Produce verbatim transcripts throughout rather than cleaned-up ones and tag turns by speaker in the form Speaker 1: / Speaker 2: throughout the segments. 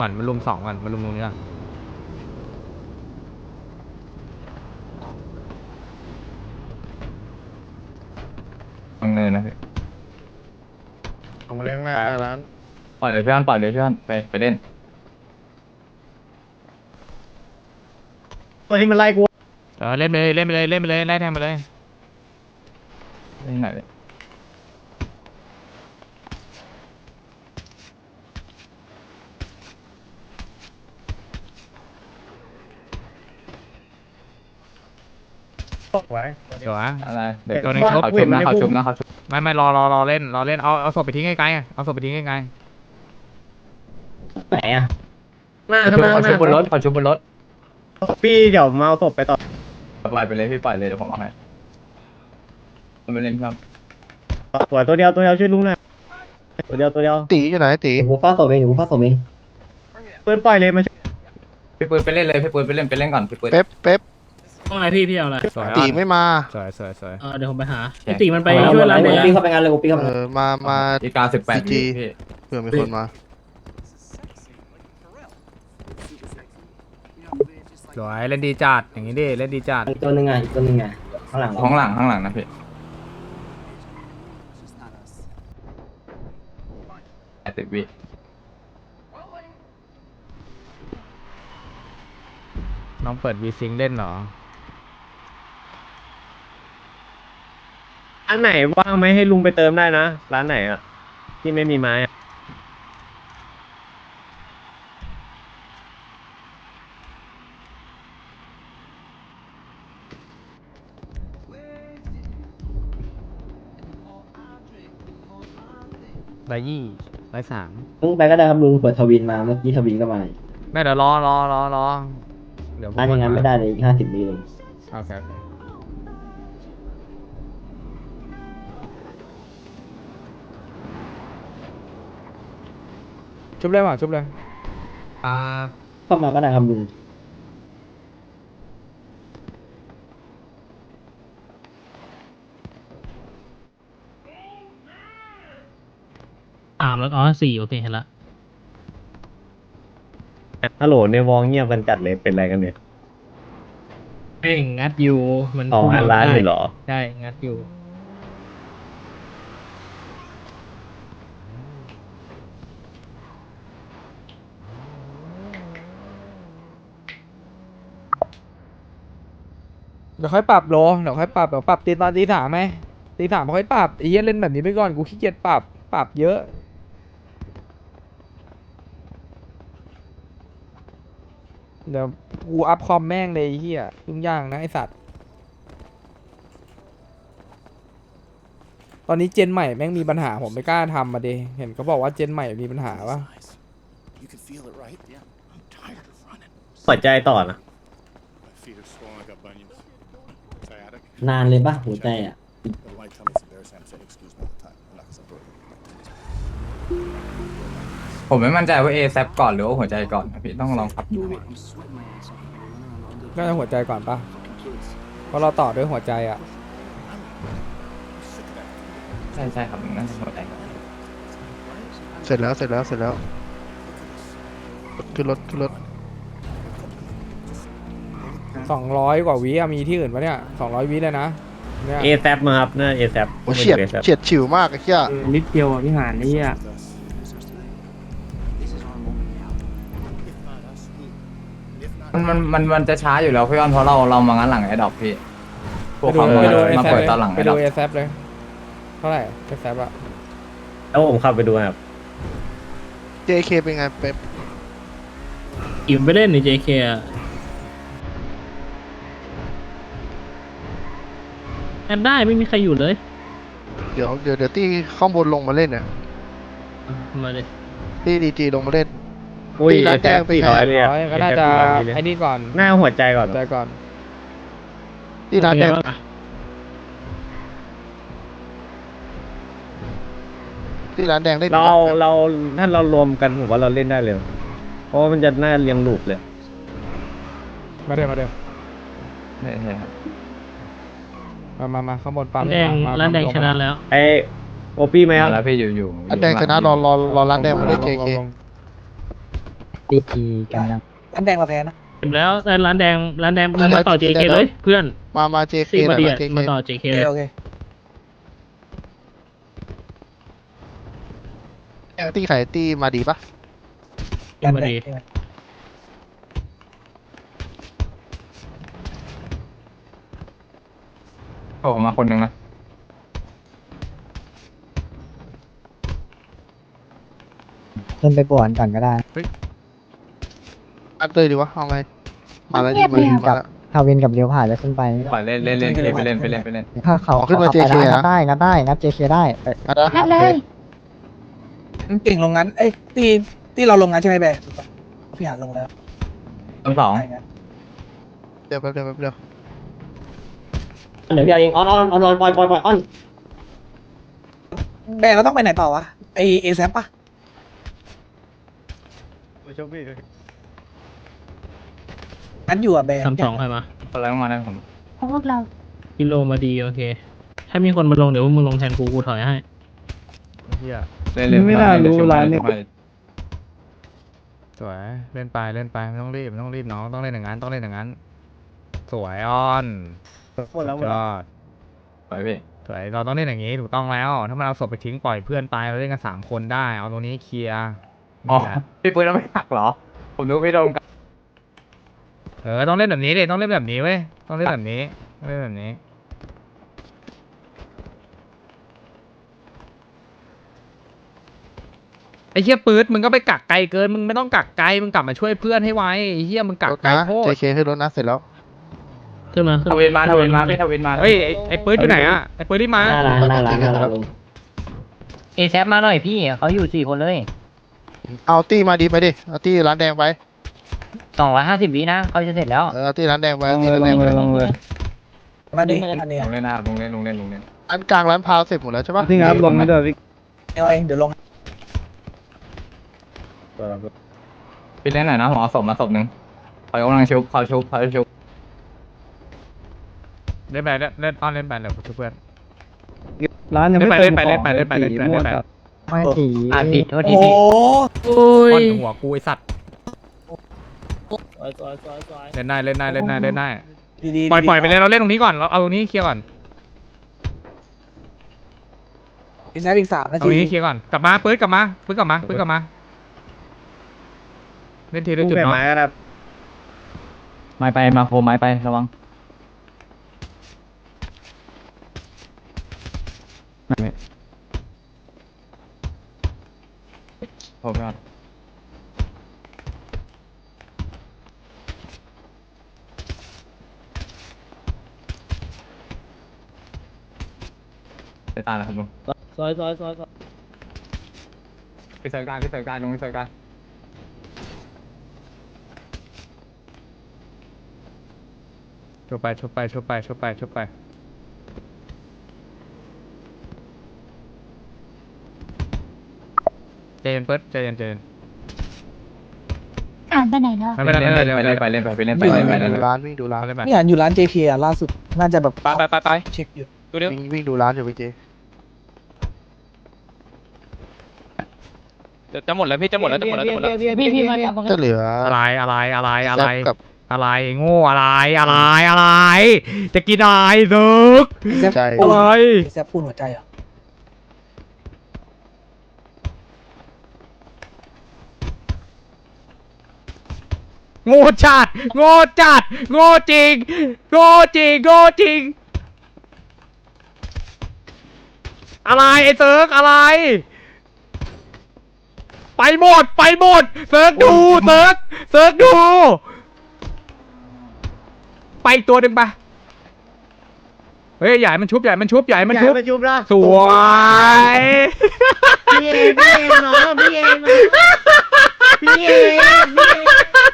Speaker 1: ก่อนมาลุมสองก่อนมาลุมตรงนี้ก่อน
Speaker 2: ฟังเลยนะพี่
Speaker 3: ออกมาเล่นหน้าร้าน
Speaker 2: ปล่อยเลยพี่อันปล่อยเลยพี่อันไปไปเล่น
Speaker 3: ตัวที่มันไล่กู
Speaker 1: เออเล่นไปเลยเล่นไปเลยเล่นไปเลยไล่แทงไปเลย
Speaker 2: เล่นไหนเลย
Speaker 3: ตกไว้
Speaker 1: เดี๋ยวอะ
Speaker 2: อะไรเด็ก
Speaker 1: ตัวหนึ่งชุบ
Speaker 2: เขาชุบนะเขาชุบนะเขาชุบ
Speaker 1: ไม่ไม่รอรอรอเล่นรอเล่นเอาเอาศพไปทิ้งไกลๆเอาศพไปทิ้งไกล
Speaker 3: ไหนอ่ะหน้า
Speaker 2: เขา
Speaker 3: ข้างห
Speaker 2: ชุบ
Speaker 3: น้า
Speaker 2: เขาชุบบนรถเขาชุบบนรถ
Speaker 3: พี่เดี๋ยวมาเอาศพไปต่อ
Speaker 2: ปล่อยไปเลยพี่ปล่อยเลยเดี๋ยวผมเอาให้มันไปเล่นครับ
Speaker 3: ตัวตัวเดียวตัวเดียวช่วยลุงหน่อยตัวเดียวตัวเดียว
Speaker 4: ตีอยู่ไหนตี
Speaker 5: ผมฟาดศพเองผมฟาดศพเอง
Speaker 3: เปิดปล่อยเลยมาช่วย
Speaker 2: พี่ปืนไปเล่นเลยพี่ปืนไปเล่นไปเล่นก่อนพี่ปืน
Speaker 4: เป๊ปเป๊ป
Speaker 6: ต้องอะไรพี่พี่เอาอะไร
Speaker 1: สวย
Speaker 4: ตีไม่มา
Speaker 1: สวยสวยสวย
Speaker 6: เออเดี๋ยวผมไปหา
Speaker 2: แช
Speaker 6: ไอ
Speaker 2: ร์
Speaker 6: ติมันไป
Speaker 5: ไป
Speaker 6: ช่วยร้าน
Speaker 5: เล
Speaker 6: แด
Speaker 5: ย
Speaker 6: ง
Speaker 5: ปีเข้าไปงานเลยปีเข้าไป
Speaker 4: เออมามา
Speaker 2: อีกาสิบแปด
Speaker 4: จี
Speaker 2: พี่
Speaker 4: เผื่อมีคนมา
Speaker 1: สวยเล่นดีจัดอย่างนี้ดิเล่นดีจัด
Speaker 5: อีกตัวหนึ่งไงอีกตัวหนึ่งไงข้างหลัง
Speaker 2: ข้างหลังข้างหลังนะพี่แปดสิบวิ
Speaker 1: น้องเปิดวีซิงเล่นเหรอ
Speaker 3: อันไหนว่างไหมให้ลุงไปเติมได้นะร้านไหนอ่ะที่ไม่มีไม้อะ
Speaker 1: ร้อยยี่ร้อยสาม
Speaker 5: ลุงไปก็ได้ครับลุงเปิดทวินมาเมื่อกี้ทวินก็มา
Speaker 1: แม่เดี๋ยวรอรอรอรอเดี๋ยว
Speaker 5: ร้านยังไงไม่ได้เลยอีกห้าสิบวิเลย
Speaker 1: โอเคโอเคชุบเลยว่ะชุบเลยอ่า
Speaker 5: เข้ามาก็ได้ครับลุง
Speaker 6: สามแล้วอ๋อสี่โอเคเห็นละ
Speaker 3: ฮัลโหลในวองเงียบกันจัดเลยเป็นไรกันเนี่ย
Speaker 6: เพ่งงัดอยู่มัน
Speaker 3: อ๋ออันร้านเลยเหรอ
Speaker 6: ใช่งัดอยู่
Speaker 1: เดี๋ยวค่อยปรับโลเดี๋ยวค่อยปรับเดี๋ยวปรับตีตอนตีสามไหมตีสามค่อยปรับไอ้เหี้ยเล่นแบบนี้ไปก่อนกูขี้เกียจปรับปรับเยอะเดี๋ยวกูอัพคอมแม่งเลยไอ้เหี้ยยุ่งยากนะไอสัตว์ตอนนี้เจนใหม่แม่งมีปัญหาผมไม่กล้าทำมาดิเห็นเขาบอกว่าเจนใหม่มีปัญหาวะ
Speaker 3: หัวใจต่อนะ
Speaker 5: นานเลยป่ะหัวใจอ่ะ
Speaker 2: ผมไม่มั่นใจว่าเอแซปก่อนหรือว่าหัวใจก่อนนะพี่ต้องลองขับดูพี่
Speaker 1: น่าจะหัวใจก่อนปะเพราะเราต่อด้วยหัวใจอ่ะ
Speaker 2: ใช่ใช่ครับน่าจะหัวใจก่อน
Speaker 4: เสร็จแล้วเสร็จแล้วเสร็จแล้วขึ้นรถขึ้นรถ
Speaker 1: สองร้อยกว่าวิอะมีที่อื่นปะเนี่ยสองร้อยวิเลยนะเนี่ย
Speaker 3: เอแซมาครับน่าเอแซ
Speaker 4: โอ้เฉียดเฉียดฉิวมากไอ้เหี้ย
Speaker 6: นิดเดียวอ่ะพี่หานนี่อ่ะ
Speaker 2: มันมันมันมันจะช้าอยู่แล้วพี่อ้อนเพราะเราเรามางั้นหลังไอ้ดอกพี่พวก
Speaker 1: ไปดู
Speaker 2: เขา
Speaker 1: ไปดู
Speaker 2: มา
Speaker 1: เอ
Speaker 2: มา
Speaker 1: แซ
Speaker 2: เปิด
Speaker 1: เลย
Speaker 2: ตอนหลัง
Speaker 1: ไป
Speaker 2: ไอ้ด
Speaker 1: ดู
Speaker 2: อก
Speaker 1: เอแซเลยเท่าไหร่เอแซอะ
Speaker 3: แล้วผมขับไปดูครับ
Speaker 4: เจเคเป็นไงเป๊ป
Speaker 6: อิ่มไปเล่นใน เจ เค อ่ะแอดได้ไม่มีใครอยู่เลย
Speaker 4: เดี๋ยวเดี๋ยวเดี๋ยวที่ข้างบนลงมาเล่นเนี่ย
Speaker 6: มาเลย
Speaker 4: ที่ดีจีลงมาเล่น
Speaker 3: อุ้ย
Speaker 4: ตี
Speaker 3: เอ
Speaker 4: ร้าน
Speaker 3: แซ
Speaker 4: แดงเป็นไง
Speaker 3: สี่ร้อยเลย
Speaker 1: ร้อยก็น่าจะไอ้นี่ก่อน
Speaker 3: หน้าหัวใจก่อน
Speaker 1: ใจก่อน
Speaker 4: ที่ร้านแดง
Speaker 6: เป็ไบ้างอะ
Speaker 4: ที่ร้านแดงเล่น
Speaker 3: เราเอาเราถ้าเรารวมกันผมว่าเราเล่นได้เลยเพราะว่ามันจะน่าเรียงลูปเลย
Speaker 1: มาเดิมมาเดิม
Speaker 2: ใช่ใช่ครับ
Speaker 1: มามามาข้างบนปั๊ม
Speaker 6: แดง
Speaker 1: มา
Speaker 6: ร้านแดง
Speaker 1: ลม
Speaker 6: ชนะแล้ว
Speaker 3: ไอโอปี้ไหมค
Speaker 2: มา
Speaker 3: รับ
Speaker 2: แล้วพี่อยู่อยู่
Speaker 4: ร้านแดงชนะรอรอรอร้านแดงมาเล่นเจเค
Speaker 1: ลง
Speaker 7: ดีทีกันยัง
Speaker 8: อันแดงเราแพ้นะ
Speaker 6: เสร็จแล้วแต่ร้านแดงร้านแดงมึงมาต่อ เจ เค เลยเพื่อน
Speaker 4: มามาเจเค
Speaker 6: ตี
Speaker 4: หน่
Speaker 6: มา
Speaker 4: อย
Speaker 6: ดี
Speaker 4: มา
Speaker 6: อะ
Speaker 4: เจเค
Speaker 6: มาต่อ เจ เค เลย
Speaker 8: โอเค
Speaker 4: ตีไข่ตีมาดีปะ
Speaker 6: ตีมาดี
Speaker 2: โผล่มาคนหนึ่งนะ
Speaker 7: ขึ้นไปบวนก่อนก็ได้
Speaker 4: อันเตยดีวะเอาไงมาแล้วดีมาดีมาแล้ว
Speaker 7: ทาวินกับเลี้ยวผ่านแล้วขึ้นไป
Speaker 2: ปล่อยเล่นเล่นเล่นไปเล่นไปเล่นไปเล่น
Speaker 7: ถ้าเขา
Speaker 4: อ๋อขึ้นมา
Speaker 7: ขไป
Speaker 4: JK
Speaker 7: ได้
Speaker 4: นะ
Speaker 7: งัดได้งัดได้งัด เจ เค ได้เอ้ย
Speaker 4: มาแล้ว
Speaker 7: งัดเลย
Speaker 8: เก่งลงงั้นเอ้ยตีตีเราลงงั้นใช่ไหมแบร์พี่หานลงแล้ว
Speaker 2: ต้นสอง
Speaker 4: เดี๋ยวแป๊บเดียวแป๊บเดียว
Speaker 5: เดี๋ยวพี่เอาเองออนออนออนออนปล่อยปล่อยปล่อยออน
Speaker 8: แบร์เราต้องไปไหนต่อวะไอเอแซปปะ
Speaker 3: โชคดี
Speaker 8: งั้นอยู่อะแบร์
Speaker 6: ทำสองใครมา
Speaker 2: อะไรมาได้ผม
Speaker 7: ของพวกเรา
Speaker 6: กิโลมาดีโอเค ถ้ามีคนมาลงเดี๋ยวมึงลงแทนกูกูถอยให้
Speaker 3: เฮีย
Speaker 2: เล่นเล่น
Speaker 3: ไม่น่ารู้ร้านเนี่ย
Speaker 1: สวยเล่นไปเล่นไปไม่ต้องรีบไม่ต้องรีบน้องต้องเล่นอย่างนั้นต้องเล่นอย่างนั้น สวยอ้อน
Speaker 3: หมดแล้วหม
Speaker 1: สุ
Speaker 3: ด
Speaker 1: ดย
Speaker 3: แล้ว
Speaker 1: อด
Speaker 2: ไปพี่
Speaker 1: สวยเราต้องเล่นอย่างนี้ถูกต้องแล้ว ถ้ามันเอาศพไปทิ้งปล่อยเพื่อนตายเราเล่นกันสามคนได้เอาตรงนี้เคลียร์
Speaker 2: อ๋อ
Speaker 1: นี่แหละ
Speaker 2: พี่ปืนเราไม่หักเหรอ ผมนึกไม่โดนกัน
Speaker 1: เออต้องเล่นแบบนี้เลยต้องเล่นแบบนี้เว้ยต้องเล่นแบบนี้ต้องเล่นแบบนี้ไอ้เหี้ยปื๊ดมึงก็ไปกักไกลเกินมึงไม่ต้องกักไกลมึงกลับมาช่วยเพื่อนให้ไวไอ้เหี้ยมึงกัก
Speaker 4: รถ
Speaker 1: ไกล
Speaker 4: นะ
Speaker 1: โค
Speaker 4: เจ
Speaker 1: ตร
Speaker 4: เคขึ้นรถนะเสร็จแล้ว
Speaker 6: ขึ้นมาขึ้น
Speaker 2: ทวินมาทวินมาพี่ทวินมา
Speaker 1: เฮ้ยไอ้ไอ้ปื๊ดอยู่ไหนอะไอ้ปื๊ดรีบมา
Speaker 5: หน้าร้านหน้าร้านหน้าร้านลง
Speaker 7: เอแซมาหน่อยพี่เขาอยู่สี่คนเลย
Speaker 4: เอาตีมาดีไปดิเอาตีร้านแดงไป
Speaker 7: สองร้อยห้าสิบวินะเขาจะเสร็จแล้ว
Speaker 4: เออเอาตีร้านแดงไป
Speaker 3: ล
Speaker 4: เอา
Speaker 3: ง
Speaker 4: ตี
Speaker 3: เลย
Speaker 4: ร้าน
Speaker 3: ล
Speaker 4: แด
Speaker 3: ง
Speaker 4: ง
Speaker 3: เล
Speaker 4: ไป
Speaker 3: ยลงเลย
Speaker 8: มาดิอันเนี้ย
Speaker 2: ลงเล่นหน้าลงเล่นลงเล่นลงเล่น
Speaker 4: อันกลางร้านพาวเสร็จหมดแล้วใช่ปะ
Speaker 3: ที่งับลงไม่ได้พี่
Speaker 8: เอาเองเดี๋ยวลง
Speaker 2: พี่เล่นหน่อยนะผมเอาศพมาศพหนึ่งคอยกำลังชุบคอยชุบคอยชุบ
Speaker 1: เล่นไปเล่นเล่นอ้อนเล่นไปเดี๋ยวช่วยเพื่อน
Speaker 3: ร้านยังไม่
Speaker 1: เล่
Speaker 3: เต็
Speaker 1: น
Speaker 3: ม
Speaker 1: ไป
Speaker 3: ข
Speaker 1: เล่
Speaker 3: อน ง
Speaker 1: ไปเล่นไปเล่นไปเล่นไป
Speaker 3: สีม่วง
Speaker 1: เล่นไป
Speaker 3: ครับ
Speaker 7: ไม่ถีอ่านผิดโทษที
Speaker 8: โอ้
Speaker 7: พี่
Speaker 6: โอ้ย
Speaker 1: อ้อนหัวกูไอสัตว์เล่นได้เล่นได้เล่นได้เล่นได้
Speaker 8: ดีๆ
Speaker 1: ปล่อยปล่อยไปเลยเราเล่นตรงนี้ก่อนเราเอาตรงนี้เคลียร์ก่อน
Speaker 8: เอแซปอีกสามนา
Speaker 1: ตรง
Speaker 8: ที
Speaker 1: นี้เคลียร์ก่อนกลับมาปื๊ดกลับมาปื๊ดกลับมาปื๊ดกลับมาเล่นทีละจุด
Speaker 3: เปลี่ยน
Speaker 1: เนาะ
Speaker 3: ไม้ครับ
Speaker 2: ไม้ไปมาโคไม้ไประวังโอ้พี่อดไปตายแล้วครับลุง
Speaker 6: ซอยซอยซอยซอย
Speaker 2: ไปเสิร์ฟการไปเสิร์ฟการลุงไปเสิร์ฟการ
Speaker 1: ชุบไปชุบไปชุบไปชุบไปชุบไปใจเย็นเปิดใจเย็นใจเย็น
Speaker 7: อ่านไปไหนแล้ว
Speaker 1: ไม่เป็นไร
Speaker 2: เล่น
Speaker 1: ไม่
Speaker 2: ไป
Speaker 1: เป็นไร
Speaker 2: เล่นไปเล่นไปไปเล่นไปเล่นไปเล่น
Speaker 4: ดู
Speaker 2: ไป
Speaker 4: ร้านวิ่งดูร้าน
Speaker 1: เล่นไป
Speaker 8: พี่หานอยู่ร้าน เจ เค อ่ะล่าสุดน่าจะแบบ
Speaker 2: ไปไปไปไป
Speaker 8: เช็คอยู่
Speaker 2: ตัวเดียว
Speaker 4: วิ่งวิ่งดูร้านอยู่พี่เจ
Speaker 2: จะหมดแล้วพี่จะหมดแล้วจะหมดแล้วจะหมดแล้ว
Speaker 7: พี่พี่มาจับ
Speaker 4: จะเหลือ
Speaker 1: อะไรอะไรอะไรอะไร
Speaker 4: แซปกับ
Speaker 1: อะไรโง่อะไรอะไรอะไร จะกินอะไรซึก
Speaker 8: เอแซป
Speaker 4: ใจ
Speaker 8: ปู
Speaker 1: อะไร
Speaker 8: เอแซปปูนหัวใจเหรอ
Speaker 1: โง่จัดโง่จัดโง่จริงโง่จริงโง่จริงอะไรไอ้เซิร์กอะไร ไปหมดไปหมดเซิร์กดูเซิร์กเซิร์กดู ไปอีกตัวหนึ่งปะเฮ้ยใหญ่มันชุบใหญ่มันชุบใหญ่มันชุบ
Speaker 3: ไปชุบละ
Speaker 1: สวย
Speaker 3: พี่เองพี่เองน้องพี่เองพี่เองพี่เอง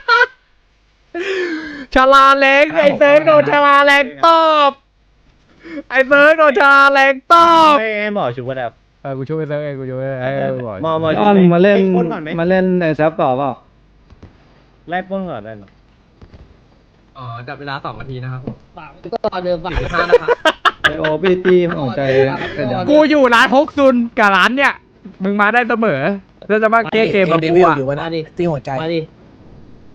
Speaker 1: ชาลาเล็กไอ้เซิร์กโดนชาลาเล็กตอบไอ้เซิร์กโดนชาลาเล็กตอบ
Speaker 3: ไม่ไอ้หมอชุบก็ได้
Speaker 1: เออกูช่วยไอ้เซิร์กเองกูช่วยไอ้เซิร์กบ่อย
Speaker 3: หมอหมอชุบมาเล่นมาเล่นไอ้แซฟต่อเปล่าไล่ป้นก่อนได้หรอ
Speaker 2: อ๋อจับเวลาสองนาทีนะครับ
Speaker 7: ก็ตอนเดิมฝั่ง
Speaker 2: ห้านะครับ
Speaker 3: ไอโอพี่ตีของใจเสร็จยัง
Speaker 1: กูอยู่ร้านฮกซุนกับร้านเนี่ยมึงมาได้เสมอแล้วจะมาแก้เกมกับ
Speaker 8: เด
Speaker 1: กู
Speaker 8: วิล
Speaker 1: อ่ะ
Speaker 8: อยู่วะนะตีหัวใจ
Speaker 7: มาดิ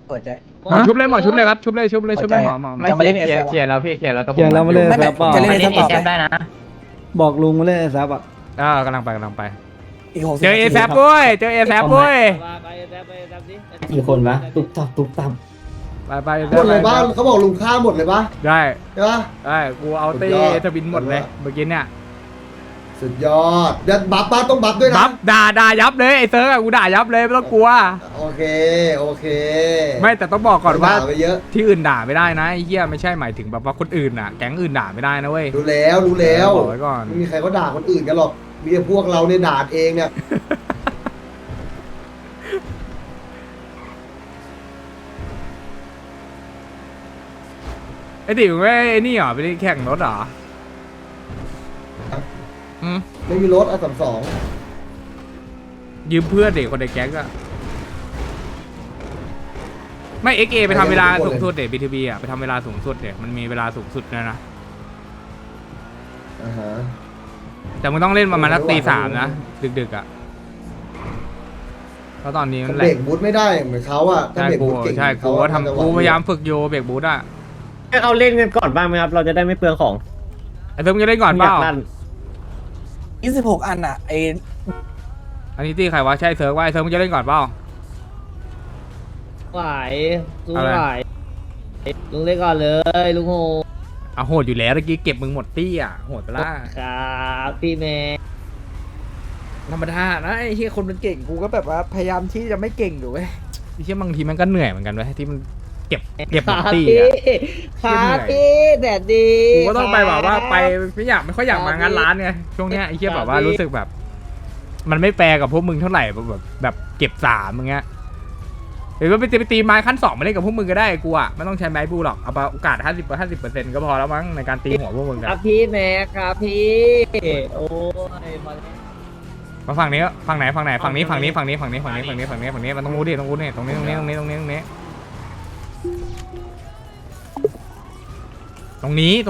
Speaker 8: เปิดใจ
Speaker 1: ชุบเลยหมอชุบเลยครับชุบเลยชุบเลยชุบเลยหมอหมอ
Speaker 2: ไม่
Speaker 8: จะมาเล่น
Speaker 2: เคลียร์
Speaker 8: เอฟ
Speaker 2: เคลียร์แล้วพี่เคลียร์แล้วต้อง
Speaker 5: เขียนแล้วมาเล่น
Speaker 8: ไม่
Speaker 5: แซ
Speaker 8: ไม่
Speaker 5: บป่ะ
Speaker 8: จะเล่น
Speaker 7: มา
Speaker 8: ใน
Speaker 7: เล่น
Speaker 8: ส
Speaker 7: เอ
Speaker 8: ต็อป
Speaker 7: แซฟได้นะ
Speaker 5: บอกลุงมาเล่นแซบอ่ะ
Speaker 1: อ่ากำลังไปกำลังไป
Speaker 8: อีกหกสิบ
Speaker 1: เจอเอแซฟด้วยเจอเอแซฟด้วย
Speaker 5: กี่คนวะตุ๊บตับตุ๊บตับ
Speaker 1: ไปไป
Speaker 3: หมดเลยบ้านเขาบอกลุงฆ่าหมดเลยปะ
Speaker 1: ได้
Speaker 3: ใช่ปะ
Speaker 1: ได้กูเอาตี
Speaker 3: สุดยอด
Speaker 1: ทบินหมดเลยเมื่อกี้เนี่ย
Speaker 3: สุดยอดเดี๋ยวบัฟบ้านต้องบัฟด้วยนะ
Speaker 1: บัฟด่าด่ายับเลยไอ้เซิร์กอะกูด่ายับเลยไม่ต้องกลัว
Speaker 3: โอเคโอเค
Speaker 1: ไม่แต่ต้องบอกก่อนว่า
Speaker 3: ด่ไปเยอะ
Speaker 1: ที่อื่นด่าไม่ได้นะไอ้เหี้ยไม่ใช่หมายถึงแบบว่าคนอื่นอ่ะแก๊งอื่นด่าไม่ได้นะเว้ย
Speaker 3: รู้แล้วรู้แล้ว
Speaker 1: บอกไว้ก่อน
Speaker 3: ไม่มีใครเขาด่าคนอื่นกันหรอกมีแต่พวกเราเนี่ยด่าเองเนี่ย
Speaker 1: ไอ้ติ๋วไม่ไอ้นี่เหรอไปแข่งรถเหรออืม
Speaker 3: ไม่มีรถอ่ะสามสอง
Speaker 1: ยืมเพื่อนเด็กคนในแก๊งอะไม่เอ็กเอไปทำเวลาสูงสุดเด็กบีทีบีอะไปทำเวลาสูงสุดเด็กมันมีเวลาสูงสุดนะนะ
Speaker 3: อ่าฮะ
Speaker 1: แต่มึงต้องเล่นประมาณนักตีสามนะดึกๆอะเพราะตอนนี้มันแห
Speaker 3: เบ
Speaker 1: ล
Speaker 3: ร
Speaker 1: ก
Speaker 3: กบูทไม่ได้เหมือนเขาอะถ้า
Speaker 1: ใช่
Speaker 3: เบรก
Speaker 1: กู
Speaker 3: บูทเก่ง
Speaker 1: ใช่กูก็ทำกูพยายามฝึกโยเบรกบูทอะ
Speaker 5: ให้เขาเล่นกันก่อนบ้างไหมครับ เราจะได้ไม่เปลืองของ
Speaker 1: ไอ้เติมจะเล่นก่อนเปล่า
Speaker 8: ยี่สิบหกอันอ่ะไอ
Speaker 1: อันนี้ตีใครวะใช่เซิร์ฟว่าไอ้เซิร์ฟมึงจะเล่นก่อนเปล่า
Speaker 7: ไหวลุง
Speaker 1: อะไร
Speaker 7: ไหวลุงเล่นก่อนเลยลุงโห
Speaker 1: อ่ะโหดอยู่แล้วเมื่อกี้เก็บมึงหมดตี้อ่ะโหดไปละ
Speaker 7: ครับพี่เมย์
Speaker 1: ธรรมดานะไอ้ที่คนมันเก่งกูก็แบบว่าพยายามที่จะไม่เก่งอยู่เว้ยไอ้ที่บางทีมันก็เหนื่อยเหมือนกันเว้ยที่มันเก็บเก็บหมดตี้อ่ะ
Speaker 7: ครับพี่แดดดี
Speaker 1: กูก็ต้องไปแบบว่าไปไม่อยากไม่ค่อยอยากมางานร้านไงช่วงเนี้ยไอ้เหี้ยแบบว่ารู้สึกแบบ มันไม่แฟร์กับพวกมึงเท่าไหร่แบบแบบเก็บสามมึงเงี้ยหรือว่าไปตีไปตีไม้ขั้นสองมาเล่นกับพวกมึงก็ได้กูอ่ะไม่ต้องใช้ไม้บูหรอกเอาโอกาสห้าสิบห้าสิบเปอร์เซ็นต์ก็พอแล้วมั้งในการตีหัวพวกมึง
Speaker 7: ค
Speaker 1: กั
Speaker 7: รั
Speaker 1: น
Speaker 7: บพี่แม่ครับพี่โอ้ยพอแล้ว
Speaker 1: มาฝั่งนี้ฝั่งไหนฝั่งไหนฝั่งนี้ฝั่งนี้ฝั่งนี้ฝั่งนี้ฝั่งนี้ฝั่งนี้ฝั่งนี้ฝั่งนี้มันต้องรู้ดิต้องรู้ดิตรงนี้ตรงนี้ตรงนี้ตรงนี้ตรงนี้ตรงนี้ตรงนี้ตรง